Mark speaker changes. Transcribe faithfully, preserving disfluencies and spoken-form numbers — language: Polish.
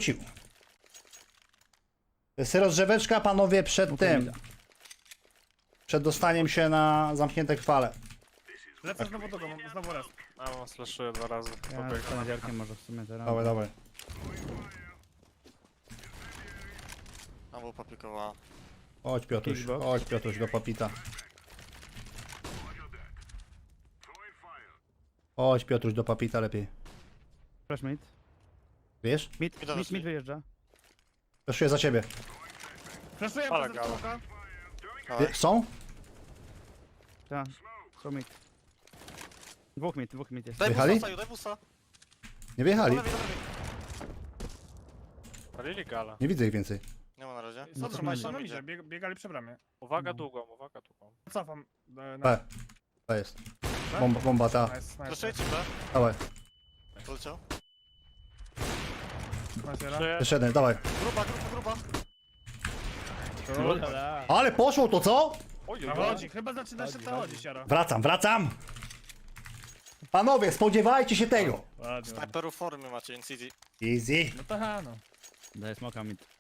Speaker 1: Ciu. To jest rozgrzeweczka, panowie, przed tym. Przed dostaniem się na zamknięte chwale.
Speaker 2: Lecę znowu do domu, znowu raz.
Speaker 3: A, on slashuję dwa razy.
Speaker 4: Ja
Speaker 3: Pobiegł.
Speaker 4: z kanadiarkiem może w sumie teraz.
Speaker 1: Dawaj, dawaj.
Speaker 5: Tam był paplikowała.
Speaker 1: Chodź Piotruś,
Speaker 4: Kickbox.
Speaker 1: chodź Piotruś do papita. Chodź Piotruś do papita lepiej.
Speaker 4: Flash mid.
Speaker 1: Wiesz?
Speaker 4: Mid,
Speaker 5: Mida
Speaker 4: mid,
Speaker 5: weszli.
Speaker 4: mid wyjeżdża.
Speaker 1: Flaszuję za ciebie.
Speaker 2: Flaszuję
Speaker 3: Ale
Speaker 2: przez
Speaker 3: gala.
Speaker 2: smoka.
Speaker 1: Wie, są?
Speaker 4: Tak, są mid. Dwóch mid, dwóch mid jest.
Speaker 5: Daj
Speaker 1: Wyjechali?
Speaker 5: busa, Saju, daj busa.
Speaker 1: Nie wyjechali.
Speaker 5: Do lewej, do lewej.
Speaker 3: Palili gala.
Speaker 1: Nie widzę ich więcej.
Speaker 5: Nie ma na razie.
Speaker 2: Są
Speaker 4: to
Speaker 2: trzymać
Speaker 4: nie
Speaker 2: się na
Speaker 5: idzie.
Speaker 2: midzie, bieg, biegali przy bramie.
Speaker 3: Uwaga długą, uwaga długą.
Speaker 2: Cofam. e, Na...
Speaker 1: B. To jest. Bomba, bomba ta.
Speaker 2: Nice, nice.
Speaker 5: Flashujecie B.
Speaker 1: Dawaj.
Speaker 5: Poleciał.
Speaker 2: Nice, Jera.
Speaker 3: Trzy.
Speaker 1: Jeszcze jeden, dawaj.
Speaker 5: Gruba, gruba, gruba.
Speaker 1: Ale poszło to co?
Speaker 3: Oj,
Speaker 2: No
Speaker 3: oj, oj.
Speaker 2: chodzi, chyba zaczyna się to chodzić, Jara.
Speaker 1: Wracam, wracam! Panowie, spodziewajcie się tego!
Speaker 2: Ładnie, ładnie.
Speaker 5: Sniperów formy macie, N C D.
Speaker 1: Easy.
Speaker 2: No to ha, no.
Speaker 4: Daję smoka mid.